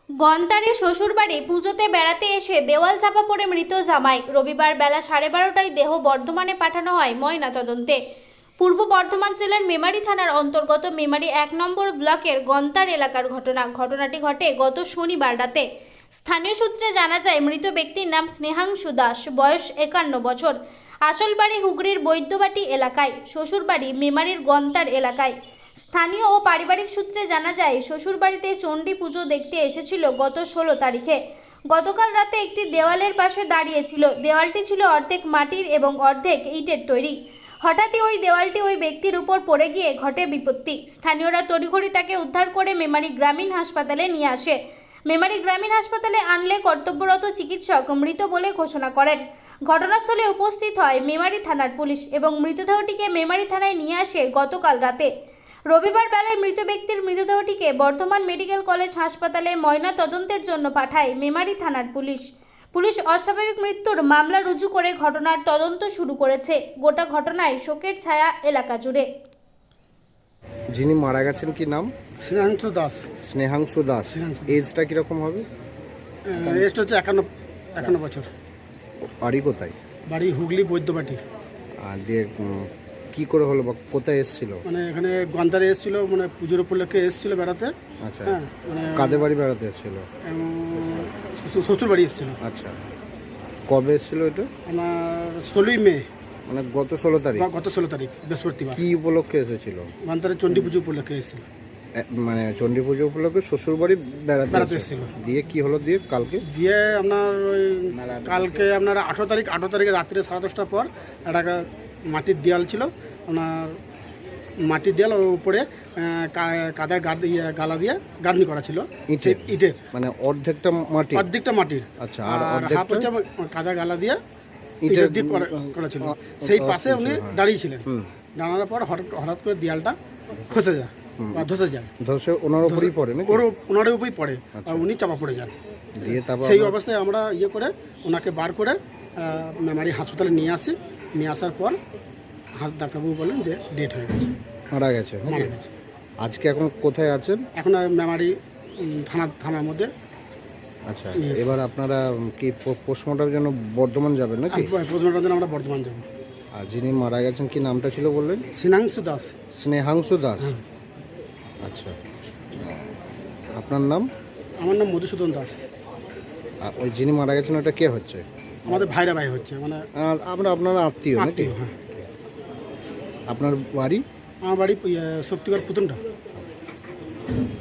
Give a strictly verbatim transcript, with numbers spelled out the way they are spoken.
গন্তারে শ্বশুরবাড়ি পুজোতে বেড়াতে এসে দেওয়াল চাপা পড়ে মৃত জামাই। রবিবার বেলা সাড়ে বারোটায় দেহ বর্ধমানে পাঠানো হয় ময়না তদন্তে। পূর্ব বর্ধমান জেলার মেমারি থানার অন্তর্গত মেমারি এক নম্বর ব্লকের গন্তার এলাকার ঘটনা। ঘটনাটি ঘটে গত শনিবার রাতে। স্থানীয় সূত্রে জানা যায় মৃত ব্যক্তির নাম স্নেহাংশু দাস, বয়স একান্ন বছর। আসল বাড়ি হুগলির বৈদ্যবাটি এলাকায়, শ্বশুরবাড়ি মেমারির গন্তার এলাকায়। স্থানীয় ও পারিবারিক সূত্রে জানা যায় শ্বশুরবাড়িতে চণ্ডী পুজো দেখতে এসেছিল গত ষোলো তারিখে। গতকাল রাতে একটি দেওয়ালের পাশে দাঁড়িয়েছিল। দেওয়ালটি ছিল অর্ধেক মাটির এবং অর্ধেক ইটের তৈরি। হঠাৎই ওই দেওয়ালটি ওই ব্যক্তির উপর পড়ে গিয়ে ঘটে বিপত্তি। স্থানীয়রা তড়িঘড়ি তাকে উদ্ধার করে মেমারি গ্রামীণ হাসপাতালে নিয়ে আসে। মেমারি গ্রামীণ হাসপাতালে আনলে কর্তব্যরত চিকিৎসক মৃত বলে ঘোষণা করেন। ঘটনাস্থলে উপস্থিত হয় মেমারি থানার পুলিশ এবং মৃতদেহটিকে মেমারি থানায় নিয়ে আসে গতকাল রাতে। রবিবার বেলায় মৃত ব্যক্তির মৃতদেহটিকে বর্ধমান মেডিকেল কলেজ হাসপাতালে ময়না তদন্তের জন্য পাঠায় মেমারি থানার পুলিশ। পুলিশ অস্বাভাবিক মৃত্যুর মামলা রুজু করে ঘটনার তদন্ত শুরু করেছে। গোটা ঘটনায় শোকের ছায়া এলাকা জুড়ে। যিনি মারা গেছেন কি নাম? স্নেহাংশু দাস। স্নেহাংশু দাস। এজটা কিরকম হবে? এজটা হচ্ছে একান্ন একান্ন বছর। বাড়ি কোথায়? বাড়ি হুগলি বৈদ্যবাটি। আর দিয়ে উম, কি করে হলো বা কোথায় এসেছিল? মানে এখানে গন্তারে এসেছিল, মানে পুজোর উপলক্ষে এসেছিল বেড়াতে। আচ্ছা, হ্যাঁ, মানে কাদের বাড়ি বেড়াতে এসেছিল? শ্বশুর বাড়ি এসেছিল। আচ্ছা, কবে এসেছিল এটা? আমার ষোলোই মে, মানে গত ষোলো তারিখ। গত ষোলো তারিখ বৃহস্পতিবার। কি উপলক্ষে এসেছিল? গন্তারে চণ্ডী পুজো উপলক্ষে এসেছিল। এ, মানে চণ্ডী পুজো উপলক্ষে শ্বশুর বাড়ি বেড়াতে বেড়াতে এসেছিল। এসেছিল। দিয়ে কি হলো দিয়ে কালকে? দিয়ে আপনার ওই কালকে আপনার আঠেরো তারিখ আঠেরো তারিখে রাত্রে সাড়ে দশটার পর একটা মাটির দেয়াল ছিল, আপনার মাটির দেয়াল, ওর উপরে কাদার গাদ ইয়ে গালা দিয়ে গাঁথনি করা ছিল ইটের। ইটের মানে অর্ধেকটা মাটি? অর্ধেকটা মাটির। আচ্ছা, আর আর হাফ হচ্ছে কাদা গালা দিয়ে ইটের ইটের দিয়ে করা ছিল। সেই পাশে উনি দাঁড়িয়েছিলেন। দাঁড়ানোর পর হঠাৎ হঠাৎ করে দেয়ালটা খসে যায় বা ধসে যায়। ধসে ওনার উপরই পড়ে না? ওর ওনার উপরই পড়ে আর উনি চাপা পড়ে যান। দিয়ে তারপর সেই অবস্থায় আমরা ইয়ে করে ওনাকে বার করে মেমারি হাসপাতালে নিয়ে আসি। নিয়ে আসার পর হাত ডাক্তারবাবু বলেন যে ডেট হয়ে গেছে, মারা গেছে। মারা গেছে। আজকে এখন কোথায় আছেন? এখন মেমারি থানা থানার মধ্যে। আচ্ছা, এবার আপনারা কি পোস্টমর্টমের জন্য বর্ধমান যাবেন নাকি? পোস্টমর্টমের জন্য আমরা বর্ধমান যাব। আর যিনি মারা গেছেন কি নামটা ছিল বললেন? স্নেহাংশু দাস। স্নেহাংশু দাস। আচ্ছা, আপনার নাম? আমার নাম মধুসূদন দাস। আর ওই যিনি মারা গেছেন ওটা কে হচ্ছে? আমাদের ভাইরা ভাই হচ্ছে, মানে আর আমরা আপনারা আত্মীয় নাকি? আত্মীয়। হ্যাঁ। আপনার বাড়ি? আমার বাড়ি শক্তিগড় পুতুনটা।